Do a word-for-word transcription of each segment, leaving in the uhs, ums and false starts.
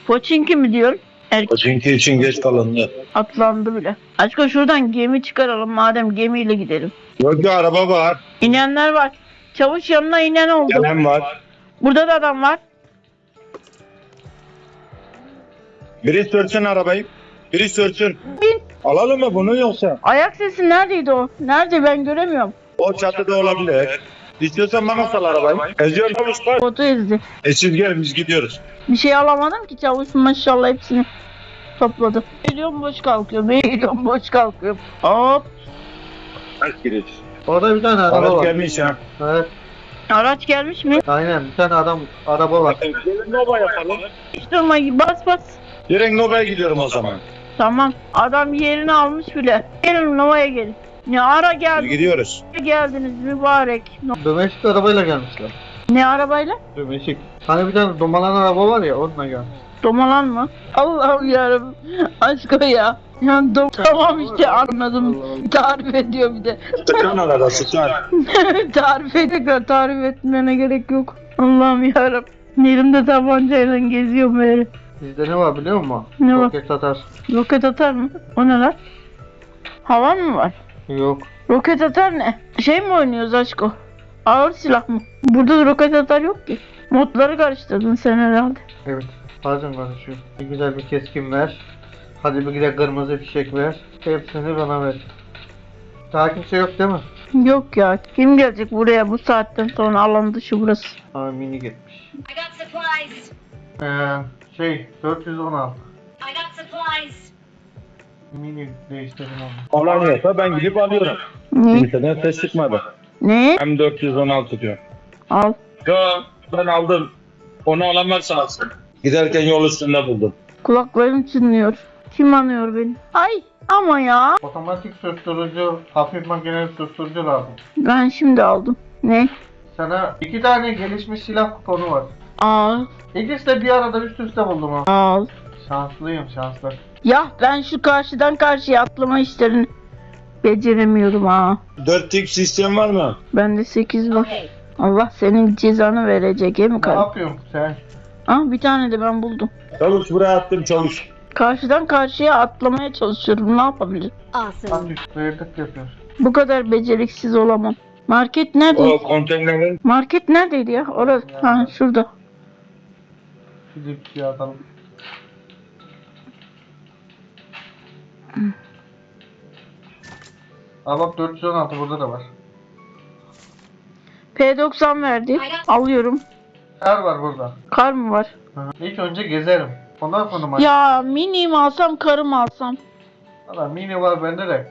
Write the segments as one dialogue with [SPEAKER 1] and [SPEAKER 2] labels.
[SPEAKER 1] Poçinki mi diyorsun? Erkek
[SPEAKER 2] Çünkü için geç kalındı.
[SPEAKER 1] atlandı bile. Aşkım şuradan gemi çıkaralım madem gemiyle gidelim.
[SPEAKER 2] Yok bir araba var.
[SPEAKER 1] İnenler var. Çavuş yanına inen oldu.
[SPEAKER 2] Gelen var.
[SPEAKER 1] Burada da adam var.
[SPEAKER 2] Biri sürsün arabayı. Biri sürsün.
[SPEAKER 1] Bin.
[SPEAKER 2] Alalım mı bunu yoksa?
[SPEAKER 1] Ayak sesi neredeydi o? Nerede ben göremiyorum.
[SPEAKER 2] O çatıda olabilir. İstiyorsan bana sal arabayı. Eziyor çavuşlar.
[SPEAKER 1] Botu ezdi.
[SPEAKER 2] E siz gelin biz gidiyoruz.
[SPEAKER 1] Bir şey alamadım ki çavuş maşallah hepsini topladı. Eğiliyorum boş kalkıyorum. Eğiliyorum boş kalkıyorum. Hop.
[SPEAKER 2] Kaç giriş?
[SPEAKER 3] Orada bir tane araba
[SPEAKER 2] Araç
[SPEAKER 3] var.
[SPEAKER 2] gelmiş ha.
[SPEAKER 3] Evet.
[SPEAKER 1] Araç gelmiş mi?
[SPEAKER 3] Aynen bir tane adam araba var.
[SPEAKER 2] Gelin Nova yapalım.
[SPEAKER 1] Hiç durma bas bas.
[SPEAKER 2] Direkt Nova'ya gidiyorum o zaman.
[SPEAKER 1] Tamam. Adam yerini almış bile. Gelin Nova'ya gelin. Ne ara
[SPEAKER 2] Biz
[SPEAKER 1] geldiniz?
[SPEAKER 2] gidiyoruz.
[SPEAKER 1] Geldiniz mübarek. No-
[SPEAKER 3] Dömeşik arabayla gelmişler.
[SPEAKER 1] Ne arabayla?
[SPEAKER 3] Dömeşik. Hani bir tane domalan araba var ya onunla gelmiş.
[SPEAKER 1] Domalan mı? Allah'ım yarabbim. Aşkı ya. Yani dom tamam işte anladım. Tarif ediyor bir de.
[SPEAKER 2] Sıkan arada sıkan.
[SPEAKER 1] tarif ediyor. Tarif etmene gerek yok. Allah'ım yarabbim. Elimde tabancayla geziyorum böyle.
[SPEAKER 3] Bizde ne var biliyor musun?
[SPEAKER 1] Ne var?
[SPEAKER 3] Roket atar.
[SPEAKER 1] Roket atar mı? O ne lan? Havan mı var?
[SPEAKER 3] Yok.
[SPEAKER 1] Roket atar ne? Şey mi oynuyoruz aşko? Ağır silah mı? Burada da roket atar yok ki. Modları karıştırdın sen herhalde.
[SPEAKER 3] Evet. Bazen konuşuyor. Bir güzel bir keskin ver. Hadi bir güzel kırmızı fişek ver. Hepsini bana ver. Daha kimse yok değil mi?
[SPEAKER 1] Yok ya. Kim gelecek buraya bu saatten sonra alan dışı burası.
[SPEAKER 3] Aa mini gitmiş.
[SPEAKER 4] I got supplies.
[SPEAKER 3] Ee, şey dört yüz on altı.
[SPEAKER 4] I got supplies.
[SPEAKER 3] Mini değiştirdim onu.
[SPEAKER 2] Alamıyorsa ben gidip alıyorum.
[SPEAKER 1] Ne?
[SPEAKER 2] Kimseden ses çıkmadı.
[SPEAKER 1] Ne?
[SPEAKER 2] M dört yüz on altı diyor.
[SPEAKER 1] Al.
[SPEAKER 2] Yo ben aldım. Onu alan varsa alsın. Giderken yol üstünde buldum.
[SPEAKER 1] Kulaklarım çınlıyor. Kim anıyor beni? Ay ama ya.
[SPEAKER 3] Otomatik susturucu, hafif makineli susturucu lazım.
[SPEAKER 1] Ben şimdi aldım. Ne?
[SPEAKER 3] Sana iki tane gelişmiş silah kuponu var.
[SPEAKER 1] Al.
[SPEAKER 3] İkisi de bir arada üst üste buldum ha.
[SPEAKER 1] Al.
[SPEAKER 3] Şanslıyım şanslı.
[SPEAKER 1] Ya ben şu karşıdan karşıya atlama işlerini beceremiyorum ha.
[SPEAKER 2] dört X sistem var mı?
[SPEAKER 1] Bende sekiz var.
[SPEAKER 4] Okay.
[SPEAKER 1] Allah senin cezanı verecek he mi
[SPEAKER 3] Ne
[SPEAKER 1] karı?
[SPEAKER 3] yapıyorsun sen?
[SPEAKER 1] Ah bir tane de ben buldum.
[SPEAKER 2] Çavuş buraya attım çavuş.
[SPEAKER 1] Karşıdan karşıya atlamaya çalışıyorum. Ne yapabilirim?
[SPEAKER 4] Awesome.
[SPEAKER 3] Hafif sıyırdık yapıyorsun.
[SPEAKER 1] Bu kadar beceriksiz olamam. Market nerede?
[SPEAKER 2] O konteynerin
[SPEAKER 1] Market neredeydi ya? Orada. Ha şurada.
[SPEAKER 3] Gidip bir şey atalım. Aa bak dört yüz on altı burada da var.
[SPEAKER 1] P doksan verdi. Alıyorum.
[SPEAKER 3] Kar var burada.
[SPEAKER 1] Kar mı var?
[SPEAKER 3] Hı. İlk önce gezerim. Ondan sonra maç.
[SPEAKER 1] Ya mini mi alsam karı mı alsam?
[SPEAKER 3] Valla mini var bende de.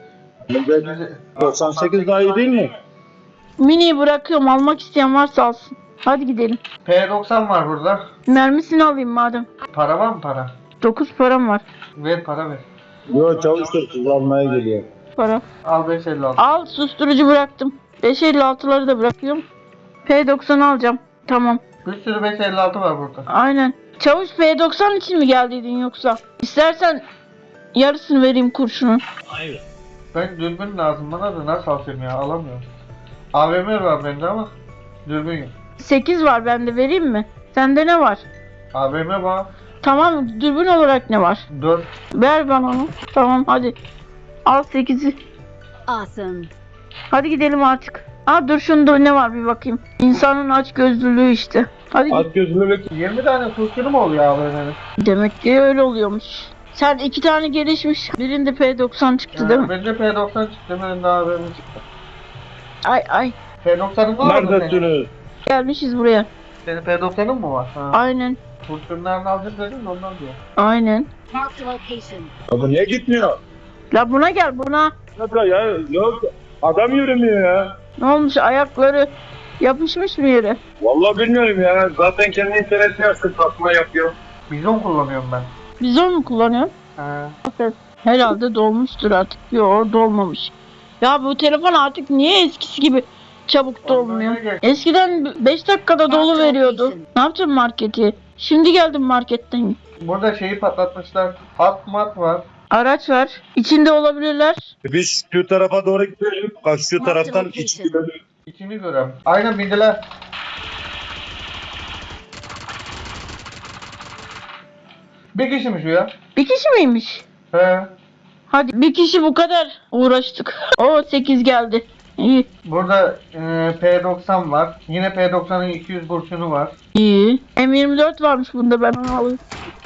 [SPEAKER 2] doksan sekiz daha iyi değil mi?
[SPEAKER 1] Mini'yi bırakıyorum. Almak isteyen varsa alsın. Hadi gidelim.
[SPEAKER 3] P doksan var burada.
[SPEAKER 1] Mermisini alayım madem.
[SPEAKER 3] Para var mı para?
[SPEAKER 1] dokuz param var.
[SPEAKER 3] Ver para ver.
[SPEAKER 2] Yok çavuş da sizi almaya geliyor.
[SPEAKER 1] Para.
[SPEAKER 3] Al beş elli altı.
[SPEAKER 1] Al susturucu bıraktım. beş elli altıları da bırakıyorum. P doksan alacağım. Tamam.
[SPEAKER 3] Bir sürü beş elli altı var burada.
[SPEAKER 1] Aynen. Çavuş P doksan için mi geldiydin yoksa? İstersen yarısını vereyim kurşunun.
[SPEAKER 2] Hayır.
[SPEAKER 3] Ben dürbün lazım bana da nasıl alacağım ya alamıyorum. A V M var bende ama dürbün yok.
[SPEAKER 1] sekiz var bende vereyim mi? Sende ne var?
[SPEAKER 3] A V M var.
[SPEAKER 1] Tamam dürbün olarak ne var?
[SPEAKER 3] dört.
[SPEAKER 1] Ver bana onu. Tamam hadi. Al sekizi.
[SPEAKER 4] Awesome.
[SPEAKER 1] Hadi gidelim artık. Aa dur şunda ne var bir bakayım. İnsanın aç gözlülüğü işte. Hadi
[SPEAKER 2] At gözlülük.
[SPEAKER 3] yirmi tane kurşunu mu oluyor A V M'nin?
[SPEAKER 1] demek ki öyle oluyormuş. Sen iki tane gelişmiş. Birinde P doksan çıktı değil mi?
[SPEAKER 3] Bende P doksan çıktı birinde A V M çıktı.
[SPEAKER 1] Ay ay.
[SPEAKER 3] P doksanın var mı senin?
[SPEAKER 2] Neredesiniz?
[SPEAKER 1] Gelmişiz buraya.
[SPEAKER 3] Senin P doksanın mı var? Ha.
[SPEAKER 1] Aynen.
[SPEAKER 3] Kurşunlarını alacak dedin de ondan diyor.
[SPEAKER 1] Aynen.
[SPEAKER 4] Marked a location.
[SPEAKER 2] Ya bu niye gitmiyor?
[SPEAKER 1] La buna gel buna.
[SPEAKER 2] Ya, ya yok adam yürümüyor ya.
[SPEAKER 1] Ne olmuş ayakları yapışmış mı yere?
[SPEAKER 2] Vallahi bilmiyorum ya. Zaten kendi interesi yapsın satma yapıyor.
[SPEAKER 3] Bizon kullanıyorum ben.
[SPEAKER 1] Bizon mu kullanıyorsun?
[SPEAKER 3] Ha.
[SPEAKER 1] Herhalde dolmuştur artık. Yok dolmamış. Ya bu telefon artık niye eskisi gibi çabuk dolmuyor?
[SPEAKER 3] Ondan ne
[SPEAKER 1] Eskiden beş dakikada dolu veriyordu. Ne yapacağım marketi? Şimdi geldim marketten.
[SPEAKER 3] Burada şeyi patlatmışlar. Hat mat var.
[SPEAKER 1] Araç var. İçinde olabilirler.
[SPEAKER 2] Biz şu tarafa doğru gidelim. Bak şu taraftan iç gidelim.
[SPEAKER 3] İçini görüyorum. Aynen bindiler. Bir kişi mi şu ya?
[SPEAKER 1] Bir kişi miymiş?
[SPEAKER 3] He.
[SPEAKER 1] Hadi bir kişi bu kadar uğraştık. O sekiz geldi. İyi.
[SPEAKER 3] Burada e, P doksan var. Yine P doksanın iki yüz kurşunu var.
[SPEAKER 1] İyi. M yirmi dört varmış bunda, ben onu alayım.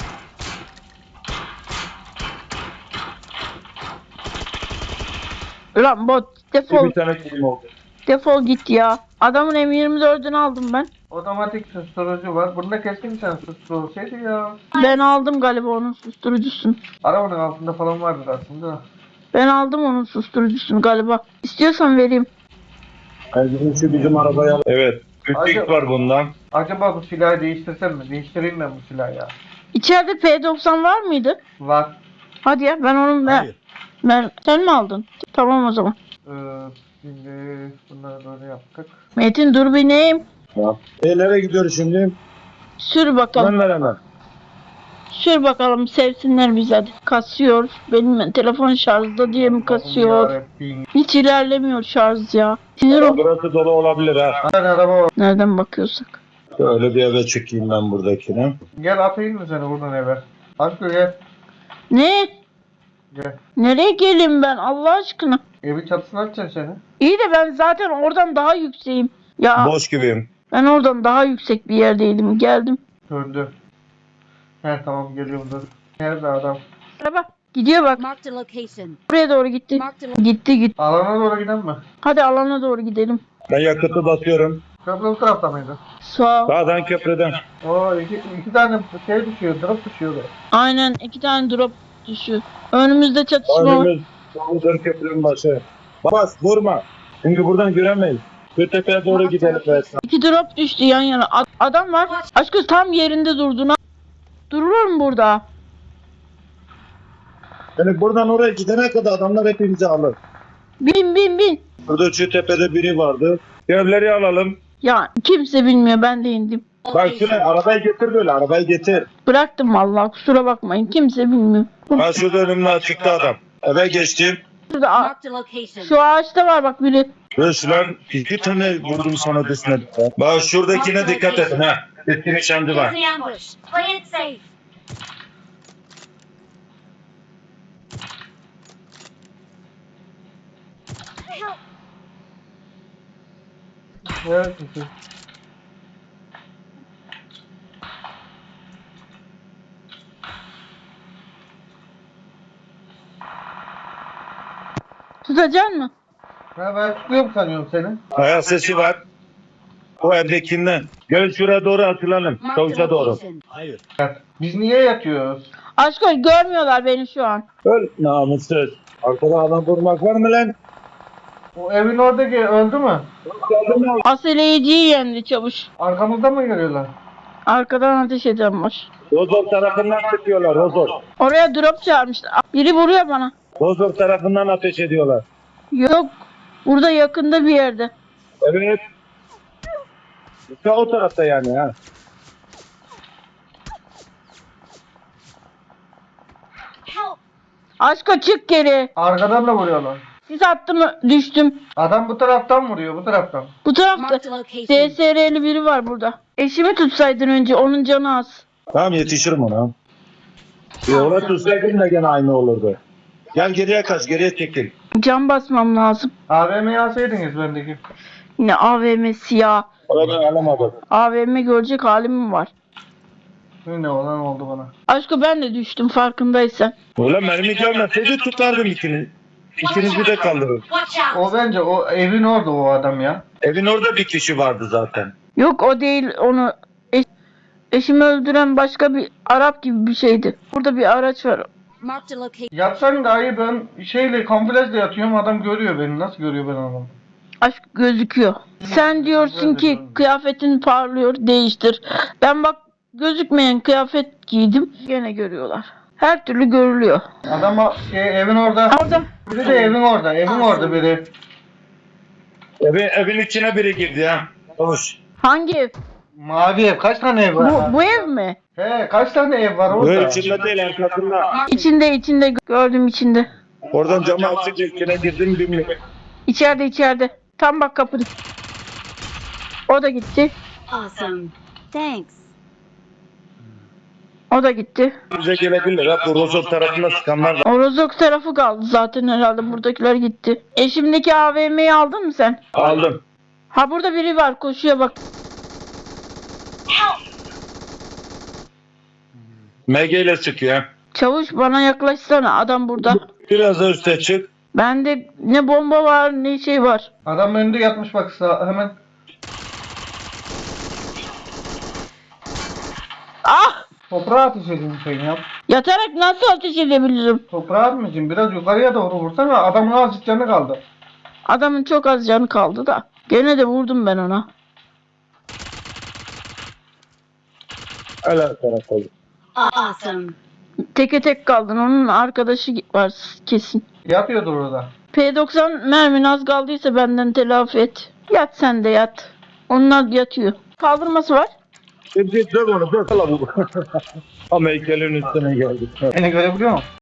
[SPEAKER 1] Ulan bot defol.
[SPEAKER 2] Bir tane film oldu.
[SPEAKER 1] Defol git ya. Adamın M yirmi dördünü aldım ben.
[SPEAKER 3] Otomatik susturucu var. Bunda keskin nişan susturucu şeydi ya.
[SPEAKER 1] Ben aldım galiba onun susturucusunu.
[SPEAKER 3] Arabanın altında falan vardır aslında.
[SPEAKER 1] Ben aldım onun susturucusunu galiba. İstiyorsan vereyim.
[SPEAKER 2] Yani bizim şu bizim arabaya... Evet. Küçük var bundan.
[SPEAKER 3] Acaba bu silahı değiştirsem mi? Değiştireyim ben bu silahı ya.
[SPEAKER 1] İçeride P doksan var mıydı?
[SPEAKER 3] Var.
[SPEAKER 1] Hadi ya, ben onun ben,
[SPEAKER 2] Hayır.
[SPEAKER 1] ben sen mi aldın? Tamam o zaman.
[SPEAKER 3] Ee, şimdi bunları böyle yaptık.
[SPEAKER 1] Metin dur bineyim.
[SPEAKER 2] Ya. E nereye gidiyoruz şimdi?
[SPEAKER 1] Sür bakalım.
[SPEAKER 2] Ben veremem.
[SPEAKER 1] Sür bakalım, sevsinler bizi hadi. Kasıyor. Benim telefon şarjda diye mi kasıyor?
[SPEAKER 3] Yarabbim.
[SPEAKER 1] Hiç ilerlemiyor şarj ya. Sinir ol.
[SPEAKER 2] Burası dolu olabilir ha.
[SPEAKER 3] Hadi araba var.
[SPEAKER 1] Nereden bakıyorsak.
[SPEAKER 2] Şöyle bir eve çekeyim ben buradakini.
[SPEAKER 3] Gel atayım mı seni buradan eve? Aşkım gel.
[SPEAKER 1] Ne?
[SPEAKER 3] Gel.
[SPEAKER 1] Nereye geleyim ben Allah aşkına?
[SPEAKER 3] Evi çatısına atacaksın seni.
[SPEAKER 1] İyi de ben zaten oradan daha yükseğim. Ya
[SPEAKER 2] Boş gibiyim.
[SPEAKER 1] ben oradan daha yüksek bir yerdeydim. Geldim.
[SPEAKER 3] Döndü. He tamam geliyorum dur. Nerede adam?
[SPEAKER 1] Araba gidiyor bak.
[SPEAKER 4] Marked a location.
[SPEAKER 1] Buraya doğru gitti.
[SPEAKER 4] Marked a
[SPEAKER 1] Gitti gitti.
[SPEAKER 3] Alana doğru giden mi?
[SPEAKER 1] Hadi alana doğru gidelim.
[SPEAKER 2] Ben yakıtı basıyorum.
[SPEAKER 3] Köprü bu tarafta mıydı?
[SPEAKER 1] Sağ ol.
[SPEAKER 2] Sağdan köprüden.
[SPEAKER 3] Oo iki, iki tane şey düşüyor, drop düşüyordu.
[SPEAKER 1] Aynen, iki tane drop düşüyor. Önümüzde çatışma var.
[SPEAKER 2] Önümüz Sağdan köprünün başı. Bas vurma. Çünkü buradan göremeyiz. Şu tepeye doğru gidelim. Versen.
[SPEAKER 1] İki drop düştü yan yana. A- adam var. Aşkım tam yerinde durduğuna. Durulur mu burada?
[SPEAKER 2] Yani buradan oraya gidene kadar adamlar hepimizi alır.
[SPEAKER 1] Bin bin bin.
[SPEAKER 2] Burada şu tepede biri vardı. Evleri alalım.
[SPEAKER 1] Ya kimse bilmiyor, ben de indim.
[SPEAKER 2] Bak şuraya arabayı getir böyle arabayı getir.
[SPEAKER 1] Bıraktım vallahi, kusura bakmayın, kimse bilmiyor.
[SPEAKER 2] Ha şurada önümde açıkta adam. Eve geçtim.
[SPEAKER 1] Şurada a-
[SPEAKER 4] Marked a location.
[SPEAKER 1] şu ağaçta var bak biri.
[SPEAKER 2] Resmen iki tane vurdum sana desine. Bak şuradakine dikkat edin ha. Eski nişancı var.
[SPEAKER 4] There's the ambush. Play it safe. Help.
[SPEAKER 3] Evet.
[SPEAKER 1] Tutacaksın mı?
[SPEAKER 3] Ha ben tutuyorum sanıyorum seni.
[SPEAKER 2] Ayak sesi var. O evdekinden. Gelin şuraya doğru atılalım.
[SPEAKER 4] Marked a
[SPEAKER 2] Çavuşa doğru.
[SPEAKER 4] location.
[SPEAKER 2] Hayır.
[SPEAKER 3] Biz niye yatıyoruz?
[SPEAKER 1] Aşkım görmüyorlar beni şu an.
[SPEAKER 2] Öl namussuz. Arkada adam vurmak var mı lan?
[SPEAKER 3] O evin oradaki öldü mü?
[SPEAKER 1] Aseleyiciyi yendi çavuş.
[SPEAKER 3] Arkamızda mı geliyorlar?
[SPEAKER 1] Arkadan ateş eden var.
[SPEAKER 2] Rozor tarafından sıkıyorlar. Rozor.
[SPEAKER 1] Oraya drop çağırmışlar. Biri vuruyor bana.
[SPEAKER 2] Rozor tarafından ateş ediyorlar.
[SPEAKER 1] Yok. Burada yakında bir yerde.
[SPEAKER 2] Evet. İşte o tarafta yani ha.
[SPEAKER 4] Help.
[SPEAKER 1] Aşka çık geri.
[SPEAKER 3] Arkadan da vuruyorlar.
[SPEAKER 1] Sis attım, düştüm.
[SPEAKER 3] Adam bu taraftan vuruyor, bu taraftan.
[SPEAKER 1] Bu tarafta
[SPEAKER 4] Marked a location.
[SPEAKER 1] D S R'li biri var burada. Eşimi tutsaydın önce, onun canı az.
[SPEAKER 2] Tamam yetişirim ona. E, ona tutsaydın da gene aynı olurdu. Gel geriye kaç, geriye çekil.
[SPEAKER 1] Can basmam lazım.
[SPEAKER 3] A V M'yi alsaydınız bendeki.
[SPEAKER 1] Yine A V M siyah.
[SPEAKER 2] Oradan alamadım.
[SPEAKER 1] A V M görecek halim mi var?
[SPEAKER 3] Ne olan oldu bana.
[SPEAKER 1] Aşkı ben de düştüm farkındaysan.
[SPEAKER 2] Ulan mermi gelmeseydi tutardım ikini. İkinizi de kaldırır.
[SPEAKER 4] Watch out.
[SPEAKER 3] O bence o evin orada o adam ya.
[SPEAKER 2] Evin orada bir kişi vardı zaten.
[SPEAKER 1] Yok o değil, onu eş- eşimi öldüren başka bir Arap gibi bir şeydi. Burada bir araç var.
[SPEAKER 4] Marked a location.
[SPEAKER 3] Yatsan dahi ben şeyle kamuflajla yatıyorum adam görüyor beni. Nasıl görüyor ben adamı?
[SPEAKER 1] Aşk gözüküyor. Sen diyorsun ki kıyafetin parlıyor, değiştir. Ben bak gözükmeyen kıyafet giydim, gene görüyorlar. Her türlü görülüyor.
[SPEAKER 3] Adam o- e, evin orada.
[SPEAKER 1] Orada
[SPEAKER 3] Biri de evin orada. Evin orada biri.
[SPEAKER 2] Evin, evin içine biri girdi ya. Hoş.
[SPEAKER 1] hangi ev?
[SPEAKER 3] Mavi ev. Kaç tane ev var?
[SPEAKER 1] Bu, bu ev mi?
[SPEAKER 3] He kaç tane ev var orada?
[SPEAKER 2] Böyle içinde değil arkasında.
[SPEAKER 1] İçinde içinde gördüm içinde.
[SPEAKER 2] Oradan camı açıp içine girdim bilmiyorum.
[SPEAKER 1] İçeride içeride. Tam bak kapıda. O da gitti.
[SPEAKER 4] Awesome. Thanks.
[SPEAKER 1] O da gitti.
[SPEAKER 2] Bize gelebilir ha. Bu Rozok tarafında sıkanlar da.
[SPEAKER 1] O Rozok tarafı kaldı zaten herhalde. Buradakiler gitti. Eşimdeki A V M'yi aldın mı sen?
[SPEAKER 2] Aldım.
[SPEAKER 1] Ha burada biri var koşuyor bak.
[SPEAKER 2] M G ile sıkıyor.
[SPEAKER 1] Çavuş bana yaklaşsana, adam burada.
[SPEAKER 2] Biraz da üste çık.
[SPEAKER 1] Bende ne bomba var ne şey var.
[SPEAKER 3] Adam önünde yatmış bak sağ, hemen.
[SPEAKER 1] Ah!
[SPEAKER 3] Toprağa ateş edin sen ya.
[SPEAKER 1] Yatarak nasıl ateş edebilirim?
[SPEAKER 3] Toprağa atmayacağım. Biraz yukarıya doğru vursana. Adamın azıcık canı kaldı.
[SPEAKER 1] Adamın çok az canı kaldı da. Gene de vurdum ben ona.
[SPEAKER 2] Hala tarafa.
[SPEAKER 4] Awesome.
[SPEAKER 1] Teke tek kaldın. Onun arkadaşı var kesin.
[SPEAKER 3] Yatıyordur orada.
[SPEAKER 1] P doksan mermin az kaldıysa benden telafi et. Yat sen de yat. Onlar yatıyor. Kaldırması var.
[SPEAKER 2] Şimdi dök onu dök. Hala bu. Ama heykelin üstüne geldik.
[SPEAKER 3] Beni görebiliyor musun?